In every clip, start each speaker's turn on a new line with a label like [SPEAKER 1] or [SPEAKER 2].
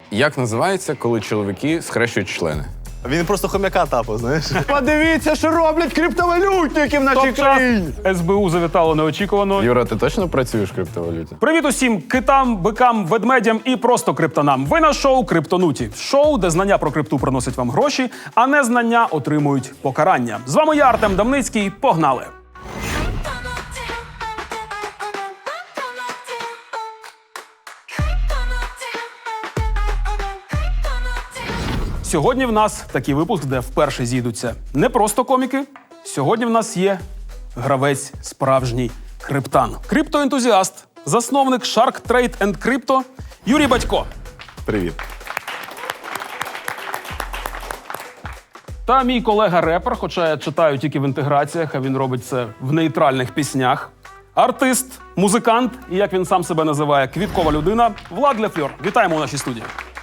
[SPEAKER 1] Як називається, коли чоловіки схрещують члени?
[SPEAKER 2] Він просто хомяка тапав, знаєш.
[SPEAKER 3] Подивіться, що роблять криптовалютники в нашій
[SPEAKER 4] Топ-час
[SPEAKER 3] країні.
[SPEAKER 4] СБУ завітало неочікувано.
[SPEAKER 1] Юра, ти точно працюєш в криптовалюті?
[SPEAKER 4] Привіт усім китам, бикам, ведмедям і просто криптонам. Ви на шоу «Криптонуті». Шоу, де знання про крипту приносять вам гроші, а незнання отримують покарання. З вами я, Артем Давницький. Погнали! Сьогодні в нас такий випуск, де вперше зійдуться не просто коміки. Сьогодні в нас є гравець справжній криптан. Криптоентузіаст, засновник Shark Trade and Crypto Юрій Батько.
[SPEAKER 2] Привіт.
[SPEAKER 4] Та мій колега-репер, хоча я читаю тільки в інтеграціях, а він робить це в нейтральних піснях. Артист, музикант і, як він сам себе називає, квіткова людина Влад Лефльор. Вітаємо у нашій студії.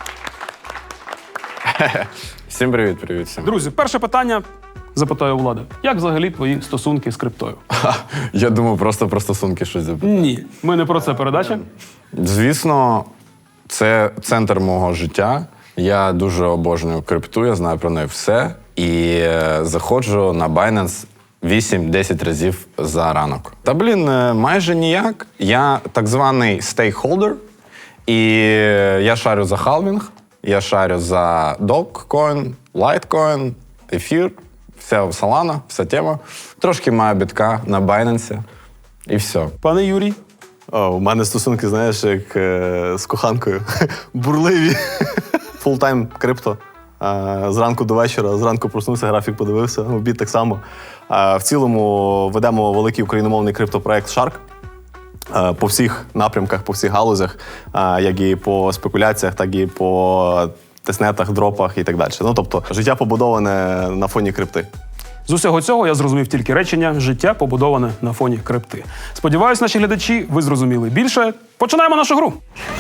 [SPEAKER 1] Всім привіт всім.
[SPEAKER 4] Друзі, перше питання запитаю у Влада. Як взагалі твої стосунки з криптою?
[SPEAKER 1] Я думаю, просто про стосунки щось запитати.
[SPEAKER 4] Ні, ми не про це передача.
[SPEAKER 1] Звісно, це центр мого життя. Я дуже обожнюю крипту, я знаю про неї все. І заходжу на Binance 8-10 разів за ранок. Та, майже ніяк. Я так званий стейкхолдер. І я шарю за халвінг, я шарю за Dogecoin, Litecoin, ефір, вся Solana, вся тема. Трошки маю бітка на Binance. І все.
[SPEAKER 4] Пане Юрій,
[SPEAKER 2] У мене стосунки, знаєш, як з коханкою. Бурливі. Фултайм крипто. Зранку до вечора, зранку проснувся, графік подивився, обід так само. В цілому ведемо великий україномовний криптопроект Shark. По всіх напрямках, по всіх галузях, як і по спекуляціях, так і по тестнетах, дропах і так далі. Ну, тобто, життя побудоване на фоні крипти.
[SPEAKER 4] з усього цього я зрозумів тільки речення «життя побудоване на фоні крипти». Сподіваюсь, наші глядачі, ви зрозуміли більше. Починаємо нашу гру.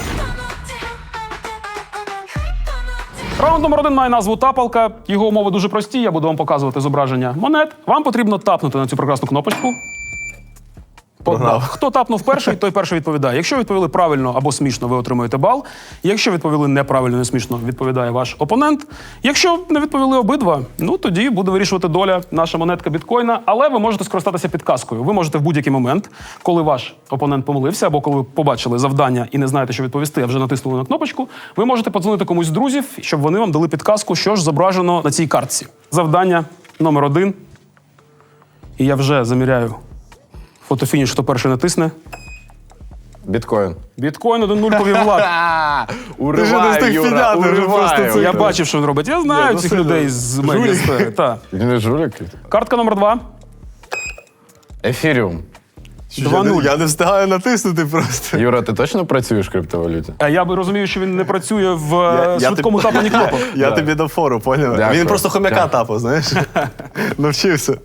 [SPEAKER 4] Раунд номер 1 має назву «Тапалка». Його умови дуже прості, я буду вам показувати зображення монет. Вам потрібно тапнути на цю прекрасну кнопочку.
[SPEAKER 2] Програв.
[SPEAKER 4] Хто тапнув перший, той перший відповідає. Якщо відповіли правильно або смішно, ви отримуєте бал. Якщо відповіли неправильно, не смішно, відповідає ваш опонент. Якщо не відповіли обидва, ну тоді буде вирішувати доля наша монетка біткоїна. Але ви можете скористатися підказкою. Ви можете в будь-який момент, коли ваш опонент помилився, або коли ви побачили завдання і не знаєте, що відповісти, а вже натиснули на кнопочку, ви можете подзвонити комусь з друзів, щоб вони вам дали підказку, що ж зображено на цій картці. Завдання номер 1. І я вже заміряю фотофініш, хто перший натисне.
[SPEAKER 1] Біткоін.
[SPEAKER 4] Біткоін 1-0 повів Влад.
[SPEAKER 1] Уриваю, Юра, уриваю.
[SPEAKER 4] Я бачив, що він робить. Я знаю цих людей з медіасфери. Так.
[SPEAKER 1] Він не жулик?
[SPEAKER 4] Картка номер 2.
[SPEAKER 1] Ефіріум.
[SPEAKER 4] 2-0.
[SPEAKER 2] Я не встигаю натиснути просто.
[SPEAKER 1] Юра, ти точно працюєш в криптовалюті?
[SPEAKER 4] А я би розумію, що він не працює в
[SPEAKER 2] Я
[SPEAKER 4] швидкому тапанні кнопок.
[SPEAKER 2] Я тобі дав фору, поняв?
[SPEAKER 1] Дякую.
[SPEAKER 2] Він просто хомяка
[SPEAKER 1] Дякую.
[SPEAKER 2] тапав, знаєш. Навчився.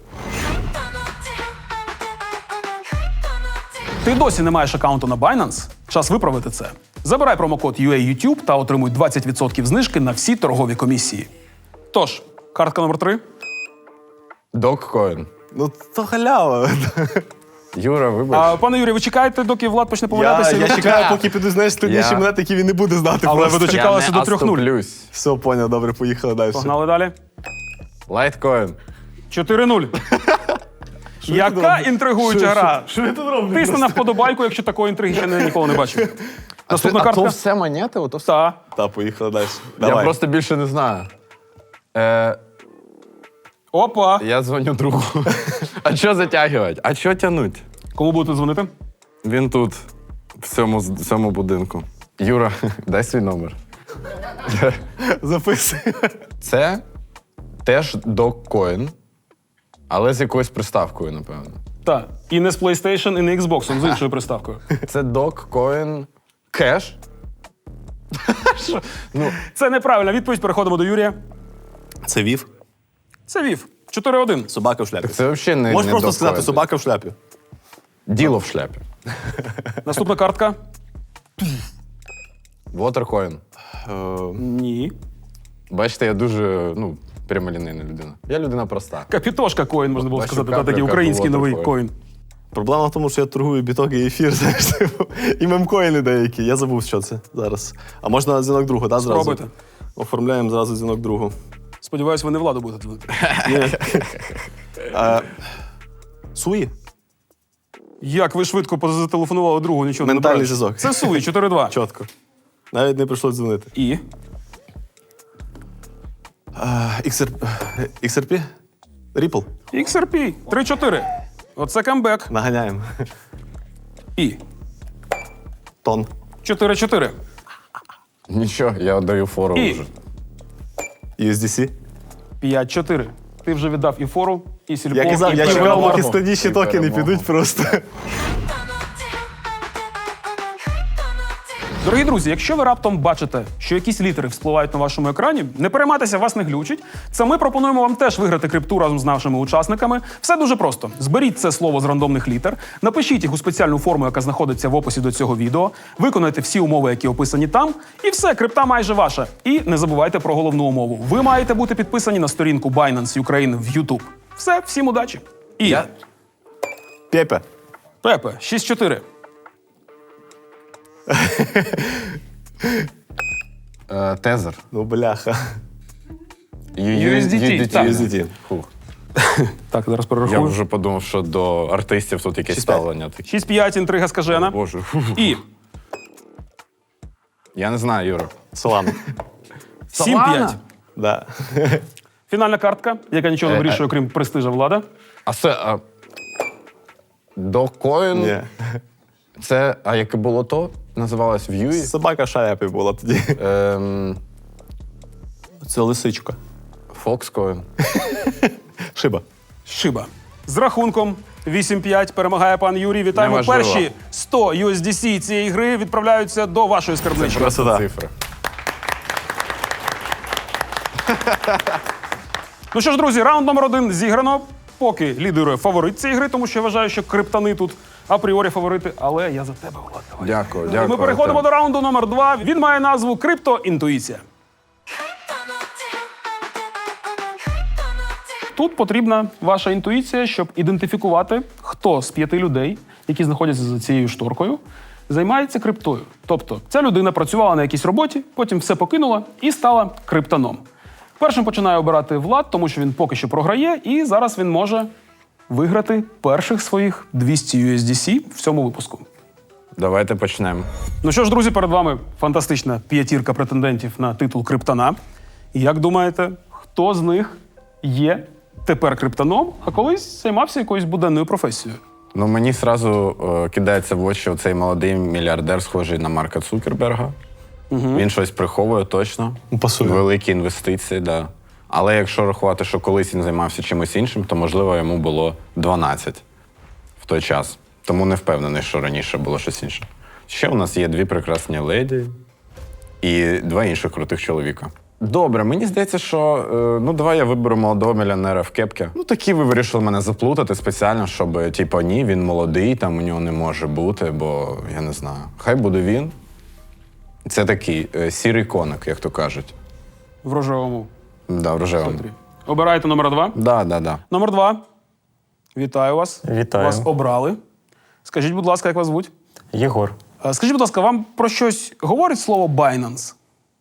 [SPEAKER 4] Ти досі не маєш аккаунту на Binance? Час виправити це. Забирай промокод UAYouTube та отримуй 20% знижки на всі торгові комісії. Тож, картка номер 3.
[SPEAKER 1] Dogecoin.
[SPEAKER 2] Ну, то халява.
[SPEAKER 1] Юра, вибач.
[SPEAKER 4] Пане Юрій, ви чекаєте, доки Влад почне помилятися?
[SPEAKER 2] Я чекаю, поки піду, знаєш, складніші
[SPEAKER 1] Я-
[SPEAKER 2] монети, які він не буде знати.
[SPEAKER 4] Але
[SPEAKER 2] просто.
[SPEAKER 4] ви дочекалися до 3-0.
[SPEAKER 1] оступлюсь.
[SPEAKER 2] Все, поняв, добре, поїхали далі.
[SPEAKER 4] Погнали далі.
[SPEAKER 1] Litecoin.
[SPEAKER 4] 4-0. Яка інтригуюча гра.
[SPEAKER 2] Що я тут роблю?
[SPEAKER 4] Тисни на вподобайку, якщо такої інтриги ще ніколи не бачив. Наступна
[SPEAKER 1] А то
[SPEAKER 4] картка.
[SPEAKER 1] все монети? Ото все?
[SPEAKER 4] Та.
[SPEAKER 2] Та, поїхали далі.
[SPEAKER 1] Я
[SPEAKER 2] Давай.
[SPEAKER 1] просто більше не знаю.
[SPEAKER 4] Опа.
[SPEAKER 1] Я дзвоню другу. А що затягувати? А що тягнуть?
[SPEAKER 4] Кому будете дзвонити?
[SPEAKER 1] Він тут, в цьому будинку. Юра, дай свій номер.
[SPEAKER 2] Записуй.
[SPEAKER 1] Це теж Dogecoin, але з якоюсь приставкою, напевно.
[SPEAKER 4] Так. І не з PlayStation, і не Xbox, з іншою приставкою.
[SPEAKER 1] Це Dogecoin Cash.
[SPEAKER 4] Це неправильна відповідь. Переходимо до Юрія.
[SPEAKER 2] Це вів.
[SPEAKER 4] Це Вів. 4-1.
[SPEAKER 2] Собака в шляпі.
[SPEAKER 1] Це взагалі не
[SPEAKER 2] Можеш
[SPEAKER 1] не
[SPEAKER 2] просто сказати
[SPEAKER 1] Dogecoin.
[SPEAKER 2] собака в шляпі.
[SPEAKER 1] Діло в шляпі.
[SPEAKER 4] Наступна картка.
[SPEAKER 1] Watercoin.
[SPEAKER 4] Ні.
[SPEAKER 1] Бачите, я дуже, прямолінейна людина. Я людина проста.
[SPEAKER 4] Капітошка коін, можна було
[SPEAKER 1] Бачу,
[SPEAKER 4] сказати. Та такий
[SPEAKER 1] капля,
[SPEAKER 4] український
[SPEAKER 1] капля,
[SPEAKER 4] новий
[SPEAKER 1] Watercoin.
[SPEAKER 4] коін.
[SPEAKER 2] Проблема в тому, що я торгую біток і ефір, знаєш, типу, і мемкоїни деякі. Я забув, що це зараз. А можна дзвінок другу, так, зразу?
[SPEAKER 4] Спробуйте.
[SPEAKER 2] Оформляємо зразу дзвінок другу.
[SPEAKER 4] Сподіваюсь, ви не Владу будете дзвонити.
[SPEAKER 2] Суї?
[SPEAKER 4] Як ви швидко зателефонували другу, нічого не
[SPEAKER 2] Ментальний
[SPEAKER 4] набираючи.
[SPEAKER 2] зв'язок.
[SPEAKER 4] Це Суї, 4-2.
[SPEAKER 2] Чітко. Навіть не прийшлося дзвонити.
[SPEAKER 4] І?
[SPEAKER 2] XRP? Ripple?
[SPEAKER 4] XRP, 3-4. Оце камбек.
[SPEAKER 2] Наганяємо.
[SPEAKER 4] І?
[SPEAKER 2] Тон.
[SPEAKER 4] 4-4.
[SPEAKER 1] Нічого, я даю фору
[SPEAKER 4] І?
[SPEAKER 1] вже.
[SPEAKER 2] USDC?
[SPEAKER 4] 5-4. Ти вже віддав і фору, і сільпо,
[SPEAKER 2] Я казав,
[SPEAKER 4] і
[SPEAKER 2] я чекав,
[SPEAKER 4] перемогу.
[SPEAKER 2] поки складніші
[SPEAKER 1] І
[SPEAKER 2] токени
[SPEAKER 1] перемогу.
[SPEAKER 2] підуть просто.
[SPEAKER 4] Дорогі друзі, якщо ви раптом бачите, що якісь літери вспливають на вашому екрані, не переймайтеся, вас не глючить. Це ми пропонуємо вам теж виграти крипту разом з нашими учасниками. Все дуже просто. Зберіть це слово з рандомних літер, напишіть їх у спеціальну форму, яка знаходиться в описі до цього відео, виконайте всі умови, які описані там, і все, крипта майже ваша. І не забувайте про головну умову. Ви маєте бути підписані на сторінку Binance Ukraine в YouTube. Все, всім удачі. І
[SPEAKER 2] Пепе.
[SPEAKER 4] Пепе, 6-4.
[SPEAKER 1] Тезер.
[SPEAKER 2] Ну, бляха.
[SPEAKER 4] USDT, так.
[SPEAKER 2] USDT.
[SPEAKER 1] Фух.
[SPEAKER 4] Так, зараз
[SPEAKER 1] Я
[SPEAKER 4] перерахую.
[SPEAKER 1] вже подумав, що до артистів тут якесь
[SPEAKER 2] 6-5.
[SPEAKER 1] ставлення. таке.
[SPEAKER 4] 6-5, інтрига скажена.
[SPEAKER 1] Боже.
[SPEAKER 4] І
[SPEAKER 1] Я не знаю, Юра.
[SPEAKER 2] Солана.
[SPEAKER 4] 7-5.
[SPEAKER 2] Да.
[SPEAKER 4] Фінальна картка, яка нічого не вирішує, крім престижа Влада.
[SPEAKER 1] А це. Докоін.
[SPEAKER 2] Ні.
[SPEAKER 1] Це, а яке було то? Називалось В'юї?
[SPEAKER 2] Собака шаяпі була тоді. Це лисичка.
[SPEAKER 1] Фокскоін.
[SPEAKER 2] Шиба.
[SPEAKER 4] Шиба. З рахунком 8-5 перемагає пан Юрій. Вітаємо.
[SPEAKER 1] Неважливо.
[SPEAKER 4] Перші 100 USDC цієї гри відправляються до вашої скарбнички.
[SPEAKER 2] Красота.
[SPEAKER 1] Цифри.
[SPEAKER 4] Ну що ж, друзі, раунд номер 1 зіграно. Поки лідирує фаворит цієї гри, тому що я вважаю, що криптани тут апріорі фаворити. Але я за тебе, Влад. Давай.
[SPEAKER 1] Дякую, дякую.
[SPEAKER 4] Ми переходимо до раунду номер 2. Він має назву Криптоінтуїція. Тут потрібна ваша інтуїція, щоб ідентифікувати, хто з 5 людей, які знаходяться за цією шторкою, займається криптою. Тобто ця людина працювала на якійсь роботі, потім все покинула і стала криптаном. Першим починає обирати Влад, тому що він поки що програє, і зараз він може виграти перших своїх 200 USDC в цьому випуску.
[SPEAKER 1] Давайте почнемо.
[SPEAKER 4] Ну що ж, друзі, перед вами фантастична п'ятірка претендентів на титул криптана. І як думаєте, хто з них є тепер криптаном, а колись займався якоюсь буденною професією?
[SPEAKER 1] Ну, мені зразу кидається в очі оцей молодий мільярдер, схожий на Марка Цукерберга. Він щось приховує точно.
[SPEAKER 2] Пасує.
[SPEAKER 1] Великі інвестиції, так. Да. Але якщо рахувати, що колись він займався чимось іншим, то, можливо, йому було 12 в той час. Тому не впевнений, що раніше було щось інше. Ще у нас є 2 прекрасні леді і 2 інших крутих чоловіка. Добре, мені здається, що давай я виберу молодого мільйонера в кепці. Ну, такі ви вирішили мене заплутати спеціально, щоб, типу, ні, він молодий, там у нього не може бути, бо я не знаю. Хай буде він. Це такий сірий коник, як то кажуть.
[SPEAKER 4] В рожевому
[SPEAKER 1] Да, в рожевому.
[SPEAKER 4] центрі. Обираєте номер 2.
[SPEAKER 1] Да.
[SPEAKER 4] Номер 2. Вітаю вас.
[SPEAKER 5] Вітаю.
[SPEAKER 4] Вас обрали. Скажіть, будь ласка, як вас звуть?
[SPEAKER 5] Єгор.
[SPEAKER 4] Скажіть, будь ласка, вам про щось говорить слово Binance?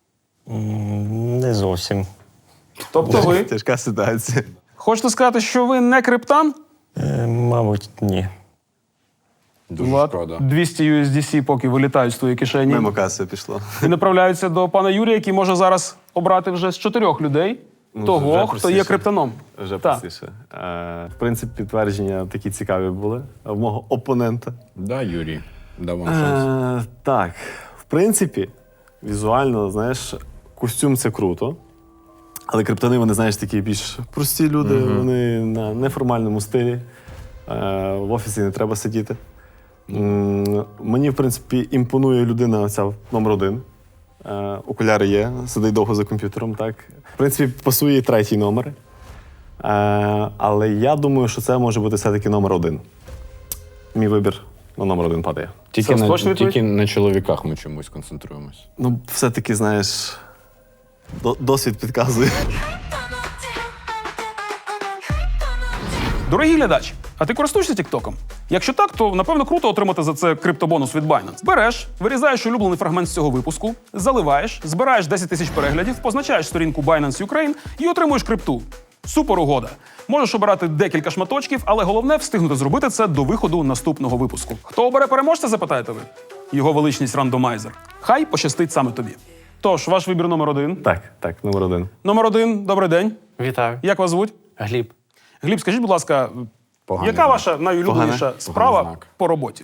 [SPEAKER 5] Не зовсім.
[SPEAKER 4] Тобто ви
[SPEAKER 2] Тяжка ситуація.
[SPEAKER 4] хочете сказати, що ви не криптан?
[SPEAKER 5] Мабуть, ні.
[SPEAKER 1] Дуже
[SPEAKER 4] Влад,
[SPEAKER 1] шкода.
[SPEAKER 4] 200 USDC поки вилітають з твоєї кишені
[SPEAKER 2] Мимо каси пішло.
[SPEAKER 4] і направляються до пана Юрія, який може зараз обрати вже з 4 людей того,
[SPEAKER 2] вже
[SPEAKER 4] хто є
[SPEAKER 2] простіше.
[SPEAKER 4] криптаном.
[SPEAKER 2] Вже
[SPEAKER 4] Так.
[SPEAKER 2] простіше. В принципі, підтвердження такі цікаві були в мого опонента.
[SPEAKER 1] Да, Юрій, дав вам шанс.
[SPEAKER 2] Так, в принципі, візуально, знаєш, костюм це круто. Але криптони, вони, знаєш, такі більш прості люди, вони на неформальному стилі. В офісі не треба сидіти. Мені, в принципі, імпонує людина ця номер 1. Окуляри є, сидить довго за комп'ютером, так. В принципі, пасує 3-й номер. Але я думаю, що це може бути все-таки номер 1. Мій вибір на номер 1 падає.
[SPEAKER 1] Тільки,
[SPEAKER 4] Це точно відповідь?
[SPEAKER 1] тільки на чоловіках ми чомусь концентруємось.
[SPEAKER 2] Ну, все-таки, знаєш, досвід підказує.
[SPEAKER 4] Дорогі глядачі, а ти користуєшся Тіктоком? Якщо так, то напевно круто отримати за це криптобонус від Binance. Береш, вирізаєш улюблений фрагмент з цього випуску, заливаєш, збираєш 10 тисяч переглядів, позначаєш сторінку Binance Ukraine і отримуєш крипту. Супер угода. Можеш обирати декілька шматочків, але головне встигнути зробити це до виходу наступного випуску. Хто обере переможця, запитаєте ви? Його величність рандомайзер. Хай пощастить саме тобі. Тож, ваш вибір номер 1.
[SPEAKER 2] Так, номер 1.
[SPEAKER 4] Номер 1, добрий день.
[SPEAKER 5] Вітаю.
[SPEAKER 4] Як вас звуть?
[SPEAKER 5] Гліб.
[SPEAKER 4] Гліб, скажіть, будь ласка,
[SPEAKER 1] Поганий
[SPEAKER 4] яка
[SPEAKER 1] знак.
[SPEAKER 4] ваша найулюбленіша справа
[SPEAKER 1] Поганий знак.
[SPEAKER 4] по роботі?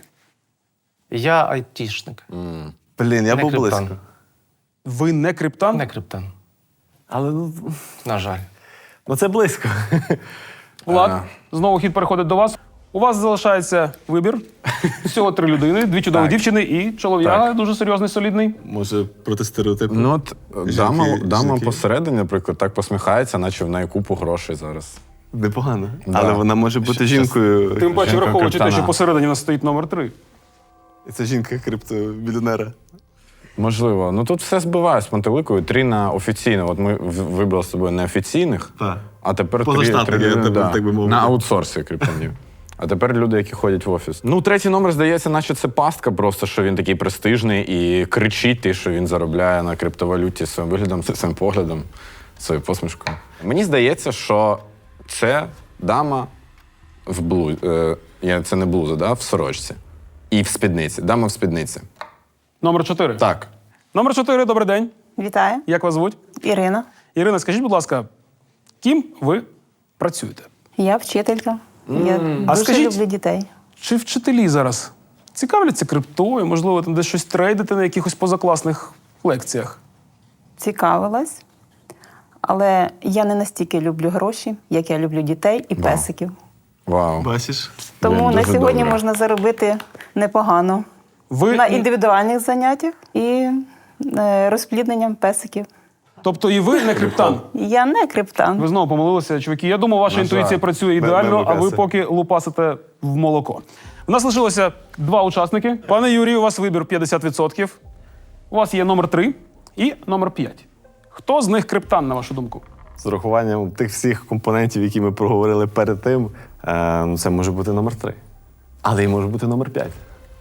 [SPEAKER 5] Я айтішник.
[SPEAKER 2] Блін, я
[SPEAKER 5] Не
[SPEAKER 2] був
[SPEAKER 5] криптан.
[SPEAKER 2] близько.
[SPEAKER 4] Ви не криптан?
[SPEAKER 5] Не криптан.
[SPEAKER 2] Але
[SPEAKER 5] На жаль.
[SPEAKER 2] це близько.
[SPEAKER 4] Влад, знову хід переходить до вас. У вас залишається вибір. Всього 3 людини, 2 чудові
[SPEAKER 1] Так.
[SPEAKER 4] дівчини і чолов'яга дуже серйозний, солідний.
[SPEAKER 2] Може, проти стереотипу.
[SPEAKER 1] Ну, от дама
[SPEAKER 2] жінки.
[SPEAKER 1] посередині, наприклад, так посміхається, наче в неї купу грошей зараз.
[SPEAKER 2] Непогано.
[SPEAKER 1] Да.
[SPEAKER 2] Але вона може бути жінкою.
[SPEAKER 4] Тим паче,
[SPEAKER 1] Жінка
[SPEAKER 4] враховуючи те,
[SPEAKER 1] криптана.
[SPEAKER 4] що посередині у нас стоїть номер 3.
[SPEAKER 2] І це жінка криптобіліонера.
[SPEAKER 1] Можливо. Ну тут все збиває з пантеликою. 3 на офіційно. От ми вибрали з собою неофіційних,
[SPEAKER 2] Так.
[SPEAKER 1] а тепер
[SPEAKER 2] Поза
[SPEAKER 1] 3
[SPEAKER 2] штатом, я тебе, так би мовити.
[SPEAKER 1] на аутсорсі криптонів. А тепер люди, які ходять в офіс. Ну, 3-й номер, здається, наче це пастка, просто що він такий престижний і кричить те, що він заробляє на криптовалюті своїм виглядом, своїм поглядом, своєю посмішкою. Мені здається, що це дама в блузі. Це не блуза, да? В сорочці. І в спідниці. Дама в спідниці.
[SPEAKER 4] Номер 4.
[SPEAKER 1] Так.
[SPEAKER 4] Номер 4, добрий день.
[SPEAKER 6] Вітаю,
[SPEAKER 4] Як вас звуть?
[SPEAKER 6] Ірина.
[SPEAKER 4] Ірина, скажіть, будь ласка, ким ви працюєте?
[SPEAKER 6] Я вчителька. Я дуже
[SPEAKER 4] скажіть-
[SPEAKER 6] люблю дітей.
[SPEAKER 4] Чи вчителі зараз цікавляться криптою? Можливо, там десь щось трейдите на якихось позакласних лекціях?
[SPEAKER 6] Цікавилась, але я не настільки люблю гроші, як я люблю дітей і песиків.
[SPEAKER 1] Вау.
[SPEAKER 2] Бачиш?
[SPEAKER 6] Тому
[SPEAKER 1] Блін,
[SPEAKER 6] на
[SPEAKER 1] дуже
[SPEAKER 6] сьогодні
[SPEAKER 1] добре.
[SPEAKER 6] можна заробити непогано
[SPEAKER 4] Ви,
[SPEAKER 6] на індивідуальних заняттях і розплідненням песиків.
[SPEAKER 4] тобто і ви не криптан?
[SPEAKER 6] Я не криптан.
[SPEAKER 4] Ви знову помилилися, чуваки. Я думав, ваша
[SPEAKER 1] На
[SPEAKER 4] інтуїція
[SPEAKER 1] жаль.
[SPEAKER 4] працює ідеально, а ви
[SPEAKER 2] Мемокеси.
[SPEAKER 4] поки лупасите в молоко. У нас лишилося 2 учасники. Пане Юрію, у вас вибір 50%. У вас є номер 3 і номер 5. Хто з них криптан, на вашу думку?
[SPEAKER 2] З урахуванням тих всіх компонентів, які ми проговорили перед тим, це може бути номер 3. Але і може бути номер 5.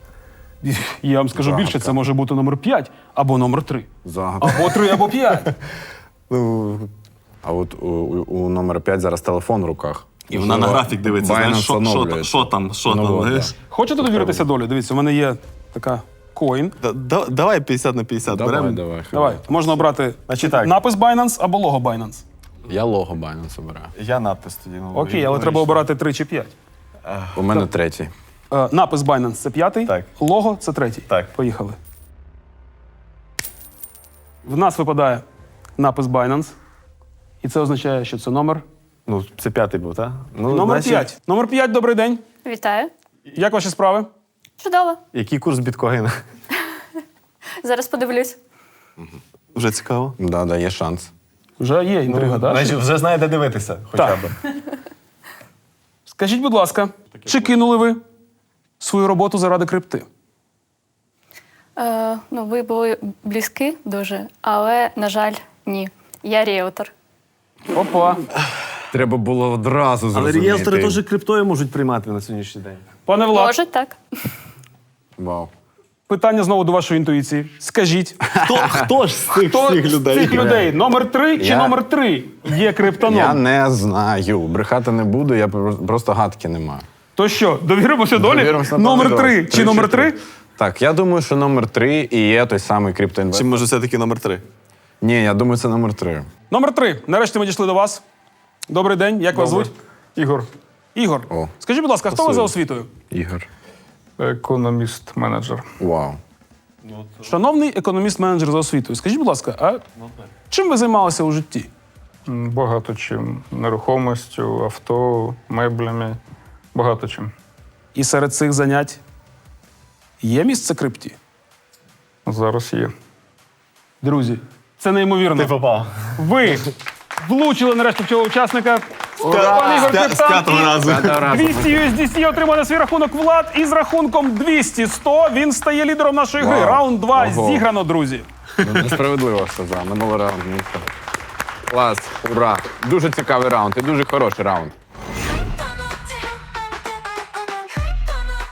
[SPEAKER 4] Я вам скажу більше, це може бути номер 5 або номер 3.
[SPEAKER 1] Загадка.
[SPEAKER 4] Або 3, або 5.
[SPEAKER 2] Ну,
[SPEAKER 1] А от у номер 5 зараз телефон в руках.
[SPEAKER 2] і вона на графік дивиться, знаєш, що там,
[SPEAKER 1] Ну, от,
[SPEAKER 2] знаєш.
[SPEAKER 4] Хочете довіритися долі? Дивіться, у мене є така коін.
[SPEAKER 2] Давай 50 на 50
[SPEAKER 1] Давай,
[SPEAKER 2] беремо.
[SPEAKER 1] давай.
[SPEAKER 4] Давай, можна обрати
[SPEAKER 2] Значить так.
[SPEAKER 4] напис Binance або лого Binance.
[SPEAKER 1] Я лого Binance обираю.
[SPEAKER 2] Я надпис тоді.
[SPEAKER 4] Окей, але треба обирати 3 чи 5.
[SPEAKER 1] У мене 3-й.
[SPEAKER 4] Напис Binance – це 5-й,
[SPEAKER 2] Так.
[SPEAKER 4] лого – це 3-й.
[SPEAKER 2] Так.
[SPEAKER 4] Поїхали. В нас випадає напис Binance. І це означає, що це номер.
[SPEAKER 2] Ну, це 5-й був, так? Ну,
[SPEAKER 4] Номер
[SPEAKER 2] значить,
[SPEAKER 4] 5. Номер 5, добрий день.
[SPEAKER 7] Вітаю.
[SPEAKER 4] Як ваші справи?
[SPEAKER 7] Чудово.
[SPEAKER 2] Який курс біткоїна?
[SPEAKER 7] Зараз подивлюсь.
[SPEAKER 2] Вже цікаво.
[SPEAKER 1] Да, є шанс.
[SPEAKER 4] Вже є інтрига, так?
[SPEAKER 2] вже знаєте дивитися,
[SPEAKER 4] Так. Скажіть, будь ласка, чи кинули ви свою роботу заради крипти?
[SPEAKER 7] Ви були близькі дуже, але, на жаль, ні. Я ріелтор.
[SPEAKER 4] Опа.
[SPEAKER 1] Треба було одразу
[SPEAKER 2] Але
[SPEAKER 1] зрозуміти.
[SPEAKER 2] ріелтори теж криптою можуть приймати на сьогоднішній день.
[SPEAKER 4] Пане Влад,
[SPEAKER 7] Може, так.
[SPEAKER 1] Вау.
[SPEAKER 4] питання знову до вашої інтуїції. Скажіть,
[SPEAKER 2] Хто ж з цих
[SPEAKER 4] хто
[SPEAKER 2] всіх
[SPEAKER 4] з
[SPEAKER 2] людей?
[SPEAKER 4] цих людей номер 3 чи
[SPEAKER 1] Я-
[SPEAKER 4] номер 3 є криптоном?
[SPEAKER 1] Я не знаю. Брехати не буду, я просто гадки не маю.
[SPEAKER 4] То що, довіримося долі?
[SPEAKER 1] Довіримося,
[SPEAKER 4] Номер
[SPEAKER 1] напевно,
[SPEAKER 4] 3 чи номер 3?
[SPEAKER 1] Так, я думаю, що номер 3 і є той самий
[SPEAKER 2] Чи
[SPEAKER 1] криптоінвестор.
[SPEAKER 2] може все-таки номер 3?
[SPEAKER 1] Ні, я думаю, це номер 3.
[SPEAKER 4] Номер 3. Нарешті ми дійшли до вас. Добрий день, як вас звуть? Ігор. Ігор,
[SPEAKER 1] О.
[SPEAKER 4] скажіть, будь ласка, хто ви за освітою?
[SPEAKER 1] Ігор.
[SPEAKER 8] Економіст-менеджер.
[SPEAKER 1] Вау.
[SPEAKER 4] Шановний економіст-менеджер за освітою, скажіть, будь ласка, а чим ви займалися у житті?
[SPEAKER 8] Багато чим. Нерухомістю, авто, меблями. Багато чим.
[SPEAKER 4] І серед цих занять є місце крипті?
[SPEAKER 8] Зараз є.
[SPEAKER 4] Друзі, це неймовірно.
[SPEAKER 2] попав.
[SPEAKER 4] Ви влучили нарешті в цього учасника. Пан Ігор
[SPEAKER 2] З
[SPEAKER 4] Криптан
[SPEAKER 2] п'ятого разу.
[SPEAKER 4] 200 USDC отримав на свій рахунок Влад. І з рахунком 200-100 він стає лідером нашої гри.
[SPEAKER 1] Вау.
[SPEAKER 4] Раунд 2
[SPEAKER 1] Ого.
[SPEAKER 4] зіграно, друзі.
[SPEAKER 1] Несправедливо сказав. Минулий раунд. Клас, ура. Дуже цікавий раунд і дуже хороший раунд.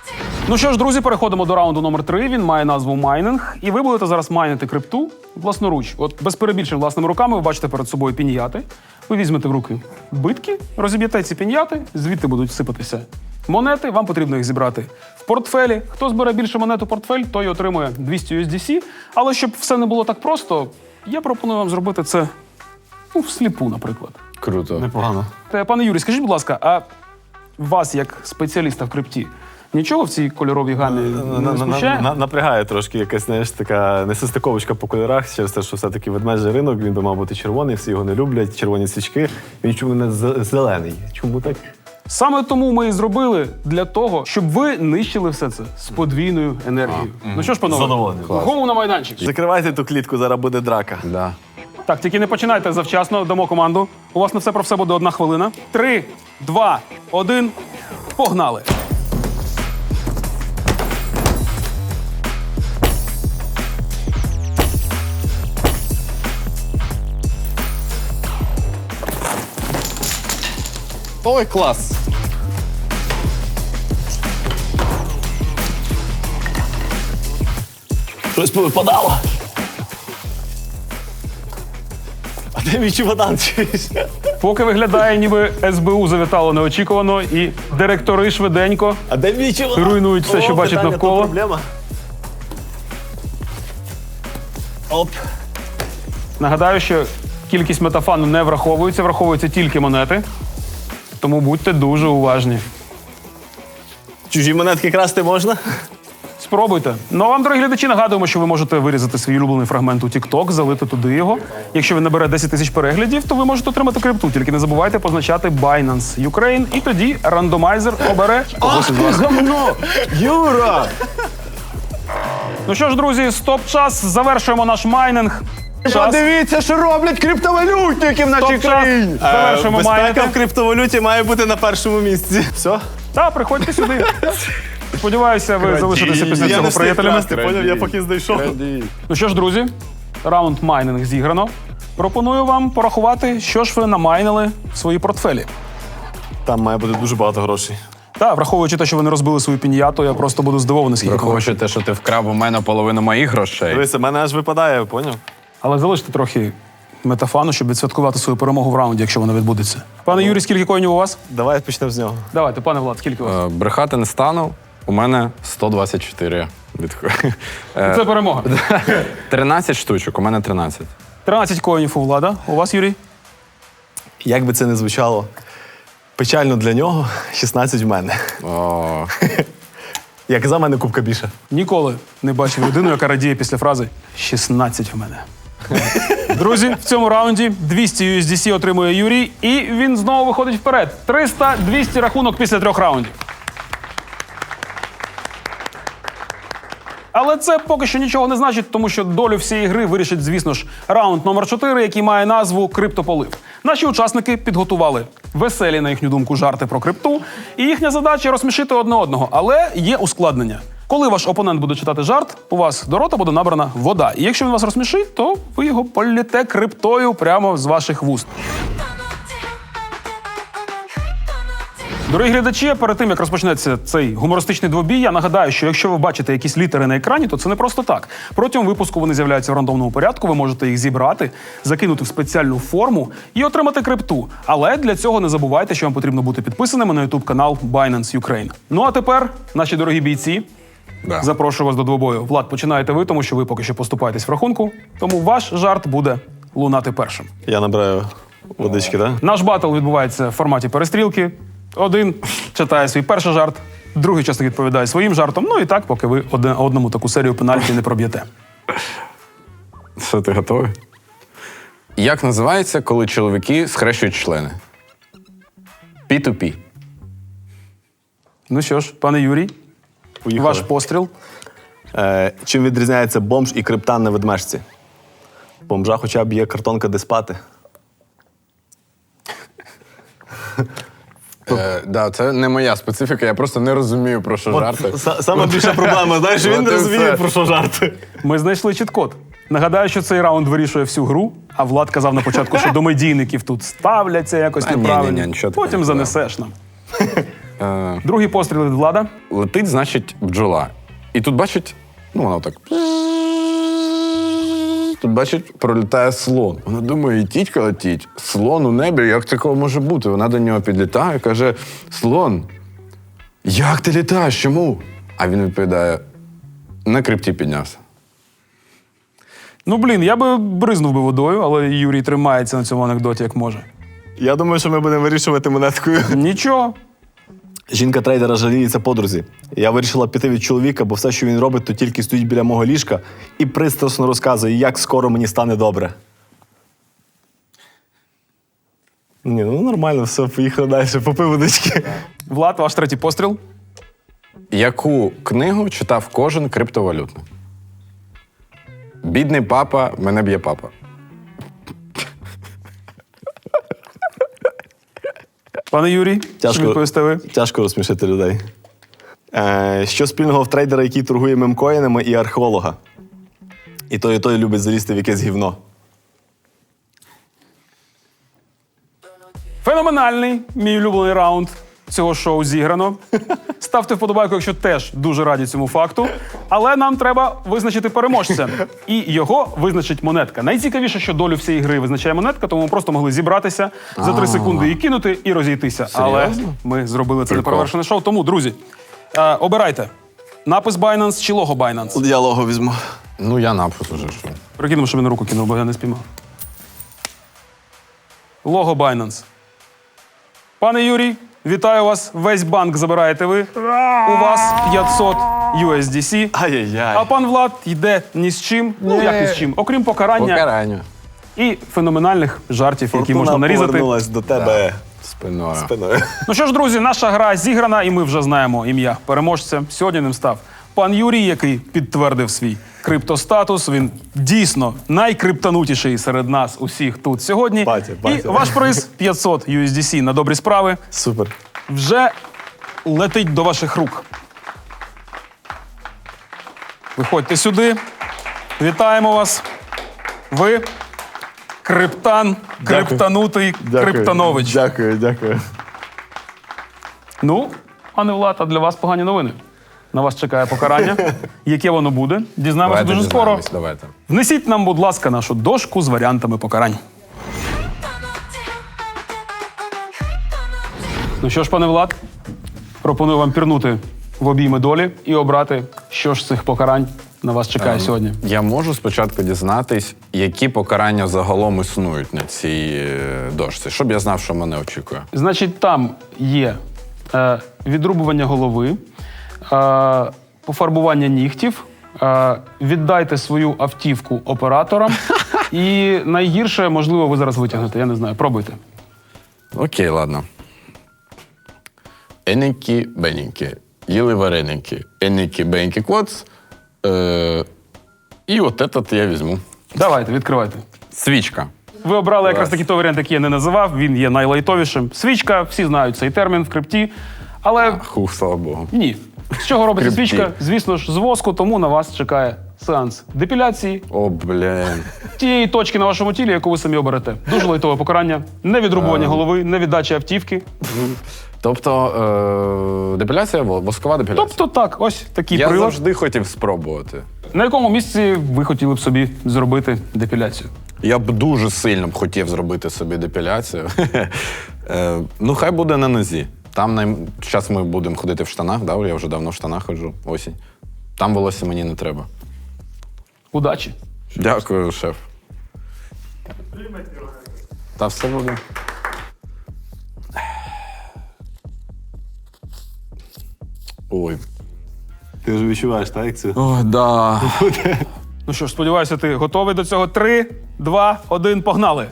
[SPEAKER 4] Ну що ж, друзі, переходимо до раунду номер 3. Він має назву майнинг. І ви будете зараз майнити крипту власноруч. От без перебільшень власними руками ви бачите перед собою піньяти. Ви візьмете в руки битки, розіб'єте ці піньяти, звідти будуть сипатися монети. Вам потрібно їх зібрати в портфелі. Хто збере більше монет у портфель, той отримує 200 USDC. Але щоб все не було так просто, я пропоную вам зробити це всліпу, наприклад.
[SPEAKER 1] Круто.
[SPEAKER 2] Непогано.
[SPEAKER 4] Пане Юрій, скажіть, будь ласка, а вас, як спеціаліста в крипті, нічого в цій кольоровій гамі не смущає?
[SPEAKER 2] Напрягає трошки якась, знаєш, така несостиковочка по кольорах, через те, що все-таки ведмежий ринок, він би мав бути червоний, всі його не люблять, червоні свічки. Він чому не зелений? Чому так?
[SPEAKER 4] Саме тому ми і зробили для того, щоб ви нищили все це з подвійною енергією. Ну що ж, панове,
[SPEAKER 2] Задоволений.
[SPEAKER 4] голову на майданчик.
[SPEAKER 2] Закривайте ту клітку, зараз буде драка.
[SPEAKER 1] Да.
[SPEAKER 4] Так, тільки не починайте завчасно, дамо команду. У вас на все про все буде 1 хвилина. 3, 2, 1, погнали!
[SPEAKER 1] Ой, клас!
[SPEAKER 2] Щось повипадало. А де мій чемодан?
[SPEAKER 4] Поки виглядає, ніби СБУ завітало неочікувано, і директори швиденько
[SPEAKER 2] А де мій чемодан?
[SPEAKER 4] руйнують все, що бачать
[SPEAKER 2] питання,
[SPEAKER 4] навколо.
[SPEAKER 2] то проблема. Оп.
[SPEAKER 4] Нагадаю, що кількість метафану не враховується, враховуються тільки монети. Тому будьте дуже уважні.
[SPEAKER 2] Чужі монетки красти можна?
[SPEAKER 4] Спробуйте. Ну а вам, дорогі глядачі, нагадуємо, що ви можете вирізати свій улюблений фрагмент у TikTok, залити туди його. Якщо він набере 10 тисяч переглядів, то ви можете отримати крипту. Тільки не забувайте позначати Binance Ukraine, і тоді рандомайзер обере когось із вас.
[SPEAKER 2] Гамно! Юра!
[SPEAKER 4] Ну що ж, друзі, стоп-час. Завершуємо наш майнинг. Час.
[SPEAKER 3] Подивіться, що роблять криптовалютники в нашій
[SPEAKER 4] Стоп-час.
[SPEAKER 3] країні.
[SPEAKER 4] Завершуємо
[SPEAKER 2] Безпека
[SPEAKER 4] майнити.
[SPEAKER 2] в криптовалюті має бути на першому місці. Все?
[SPEAKER 4] Та, приходьте сюди. Сподіваюся, ви залишитеся після
[SPEAKER 2] Я
[SPEAKER 4] цього
[SPEAKER 2] не встиг
[SPEAKER 4] приятелями.
[SPEAKER 2] красти, поняв? Я поки знайшов.
[SPEAKER 4] Ну що ж, друзі, раунд майнинг зіграно. Пропоную вам порахувати, що ж ви намайнили в свої портфелі.
[SPEAKER 2] Там має бути дуже багато грошей.
[SPEAKER 4] Та, враховуючи те, що ви не розбили свою піньяту, я просто буду здивований, скільки грошей.
[SPEAKER 1] Враховуючи те, що ти вкрав у мене половину моїх грошей.
[SPEAKER 2] Дивися, в мене аж випадає, поняв?
[SPEAKER 4] Але залиште трохи метафану, щоб відсвяткувати свою перемогу в раунді, якщо вона відбудеться. Пане Юрій, скільки коїнів у вас?
[SPEAKER 2] Давай почнемо з нього.
[SPEAKER 4] Давайте, пане Влад, скільки у вас?
[SPEAKER 1] Брехати не стану. У мене 124.
[SPEAKER 4] Це перемога.
[SPEAKER 1] 13 штучок, у мене 13.
[SPEAKER 4] 13 коїнів у Влада. У вас, Юрій?
[SPEAKER 2] Як би це не звучало, печально для нього, 16 в мене.
[SPEAKER 1] О,
[SPEAKER 2] Я казав, в мене кубка більше.
[SPEAKER 4] Ніколи не бачив людину, яка радіє після фрази «16 в мене». Друзі, в цьому раунді 200 USDC отримує Юрій, і він знову виходить вперед. 300-200 рахунок після 3 раундів. Але це поки що нічого не значить, тому що долю всієї гри вирішить, звісно ж, раунд номер 4, який має назву «Криптополив». Наші учасники підготували веселі, на їхню думку, жарти про крипту, і їхня задача – розсмішити одне одного. Але є ускладнення. Коли ваш опонент буде читати жарт, у вас до рота буде набрана вода. І якщо він вас розсмішить, то ви його поллєте криптою прямо з ваших вуст. Дорогі глядачі, перед тим, як розпочнеться цей гумористичний двобій, я нагадаю, що якщо ви бачите якісь літери на екрані, то це не просто так. Протягом випуску вони з'являються в рандомному порядку, ви можете їх зібрати, закинути в спеціальну форму і отримати крипту. Але для цього не забувайте, що вам потрібно бути підписаними на YouTube-канал Binance Ukraine. Ну а тепер, наші дорогі бійці, запрошую вас до двобою. Влад, починаєте ви, тому що ви поки що поступаєтесь в рахунку, тому ваш жарт буде лунати першим.
[SPEAKER 2] Я набираю водички, так?
[SPEAKER 4] Наш батл відбувається в форматі перестрілки. Один читає свій перший жарт, другий учасник відповідає своїм жартом. Ну і так, поки ви одному таку серію пенальті не проб'єте.
[SPEAKER 1] що, ти готовий? Як називається, коли чоловіки схрещують члени? P2P.
[SPEAKER 4] Ну що ж, пане Юрій,
[SPEAKER 2] Поїхали.
[SPEAKER 4] ваш постріл.
[SPEAKER 2] Чим відрізняється бомж і криптан на ведмежці? Бомжа хоча б є картонка, де спати.
[SPEAKER 1] Да, це не моя специфіка, я просто не розумію, про що жарти.
[SPEAKER 2] Саме більша проблема, знаєш, він
[SPEAKER 1] От
[SPEAKER 2] не
[SPEAKER 1] і
[SPEAKER 2] розуміє,
[SPEAKER 1] все.
[SPEAKER 2] про що жарти.
[SPEAKER 4] Ми знайшли чіт-код. Нагадаю, що цей раунд вирішує всю гру, а Влад казав на початку, що до медійників тут ставляться якось
[SPEAKER 1] Та ні,
[SPEAKER 4] неправильно.
[SPEAKER 1] ні, нічого такого
[SPEAKER 4] Потім
[SPEAKER 1] не
[SPEAKER 4] занесеш нам. Другий постріл від Влада.
[SPEAKER 1] Летить, значить, бджола. І тут бачить, ну воно так. Тут бачить, пролітає слон. Вона думає, і тітька летіть. Слон у небі, як такого може бути? Вона до нього підлітає і каже: слон, як ти літаєш? Чому? А він відповідає: на крипті піднявся.
[SPEAKER 4] Ну, блін, я би бризнув би водою, але Юрій тримається на цьому анекдоті, як може.
[SPEAKER 2] Я думаю, що ми будемо вирішувати монеткою.
[SPEAKER 4] Нічого.
[SPEAKER 2] Жінка трейдера жаліється подрузі. Я вирішила піти від чоловіка, бо все, що він робить, то тільки стоїть біля мого ліжка і пристрасно розказує, як скоро мені стане добре. Ні, ну нормально, все, поїхали далі, попив водички.
[SPEAKER 4] Влад, ваш третій постріл.
[SPEAKER 1] Яку книгу читав кожен криптовалютник? Бідний папа, мене б'є папа.
[SPEAKER 4] Пане Юрій, що відповісте ви?
[SPEAKER 2] Тяжко розсмішити людей. Що спільного в трейдера, який торгує мемкоїнами, і археолога? І той любить залізти в якесь гівно.
[SPEAKER 4] Феноменальний мій улюблений раунд цього шоу зіграно. Ставте вподобайку, якщо теж дуже раді цьому факту. Але нам треба визначити переможця. І його визначить монетка. Найцікавіше, що долю всієї гри визначає монетка, тому ми просто могли зібратися за 3 секунди і кинути, і розійтися. Але ми зробили це неперевершене шоу. Тому, друзі, обирайте. Напис Binance чи лого Binance?
[SPEAKER 2] Я лого візьму.
[SPEAKER 1] Ну, я напис уже що.
[SPEAKER 4] Прикинемо, що він руку кинув, бо я не спіймав. Лого Binance. Пане Юрій, вітаю вас. Весь банк забираєте ви. У вас 500 USDC.
[SPEAKER 2] Ай-яй-яй.
[SPEAKER 4] А пан Влад йде ні з чим. Ну, як ні з чим? Окрім покарання
[SPEAKER 1] Покарання.
[SPEAKER 4] і феноменальних жартів, які можна нарізати.
[SPEAKER 2] Повернулась до тебе
[SPEAKER 1] Спиною.
[SPEAKER 2] спиною.
[SPEAKER 4] Ну що ж, друзі, наша гра зіграна, і ми вже знаємо ім'я переможця. Сьогодні ним став пан Юрій, який підтвердив свій криптостатус. Він дійсно найкриптанутіший серед нас усіх тут сьогодні.
[SPEAKER 2] Батя.
[SPEAKER 4] І ваш приз 500 USDC на добрі справи
[SPEAKER 2] Супер.
[SPEAKER 4] вже летить до ваших рук. Виходьте сюди. Вітаємо вас. Ви криптан, криптанутий Криптанович.
[SPEAKER 2] Дякую.
[SPEAKER 4] Ну, пане Влад, а для вас погані новини. На вас чекає покарання. Яке воно буде? Дізнаємося дуже скоро.
[SPEAKER 1] дізнаємось, давайте.
[SPEAKER 4] Внесіть нам, будь ласка, нашу дошку з варіантами покарань. Ну що ж, пане Влад, пропоную вам пірнути в обійми долі і обрати, що ж з цих покарань на вас чекає сьогодні.
[SPEAKER 1] Я можу спочатку дізнатись, які покарання загалом існують на цій дошці, щоб я знав, що мене очікує.
[SPEAKER 4] Значить, там є відрубування голови, пофарбування нігтів, віддайте свою автівку операторам і найгірше, можливо, ви зараз витягнете, я не знаю, пробуйте.
[SPEAKER 1] Окей, ладно. Еники-беники. Їли вареники. Еники-беники клоц. І от этот я візьму.
[SPEAKER 4] Давайте, відкривайте.
[SPEAKER 1] Свічка.
[SPEAKER 4] Ви обрали якраз таки той варіант, який я не називав, він є найлайтовішим. Свічка, всі знають цей термін в крипті, але
[SPEAKER 1] Хух, слава Богу.
[SPEAKER 4] ні. З чого робиться
[SPEAKER 1] Крипті.
[SPEAKER 4] свічка? Звісно ж, з воску, тому на вас чекає сеанс депіляції
[SPEAKER 1] О, блін.
[SPEAKER 4] тієї точки на вашому тілі, яку ви самі оберете. Дуже лайтове покарання, не відрубування голови, не віддача автівки.
[SPEAKER 1] Тобто, депіляція, воскова депіляція.
[SPEAKER 4] Тобто так, ось такий
[SPEAKER 1] Я
[SPEAKER 4] прилад.
[SPEAKER 1] завжди хотів спробувати.
[SPEAKER 4] На якому місці ви хотіли б собі зробити депіляцію?
[SPEAKER 1] Я б дуже сильно б хотів зробити собі депіляцію. Ну, хай буде на нозі. Там зараз ми будемо ходити в штанах, да? Я вже давно в штанах ходжу, осінь. Там волосся мені не треба.
[SPEAKER 4] Удачі!
[SPEAKER 1] Дякую, шеф. Та все буде. Ой.
[SPEAKER 2] Ти вже відчуваєш, так, як це?
[SPEAKER 1] О, да.
[SPEAKER 4] Ну що ж, сподіваюся, ти готовий до цього. 3, 2, 1, погнали!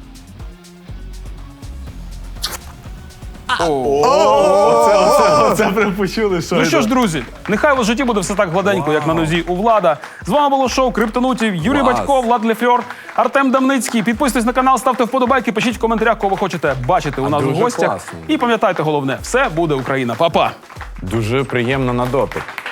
[SPEAKER 2] Це прям почули, що
[SPEAKER 4] Ну що ж, друзі, нехай у вас в житті буде все так гладенько, як на нозі у Влада. З вами було шоу Криптонутів, Юрій
[SPEAKER 1] Клас.
[SPEAKER 4] Батько, Влад Лефьор, Артем Дамницький. Підписуйтесь на канал, ставте вподобайки, пишіть в коментарях, кого ви хочете бачити у нас у
[SPEAKER 1] дуже
[SPEAKER 4] гостях.
[SPEAKER 1] класно.
[SPEAKER 4] І пам'ятайте головне, все буде Україна. Па-па!
[SPEAKER 1] Дуже приємно на дотик.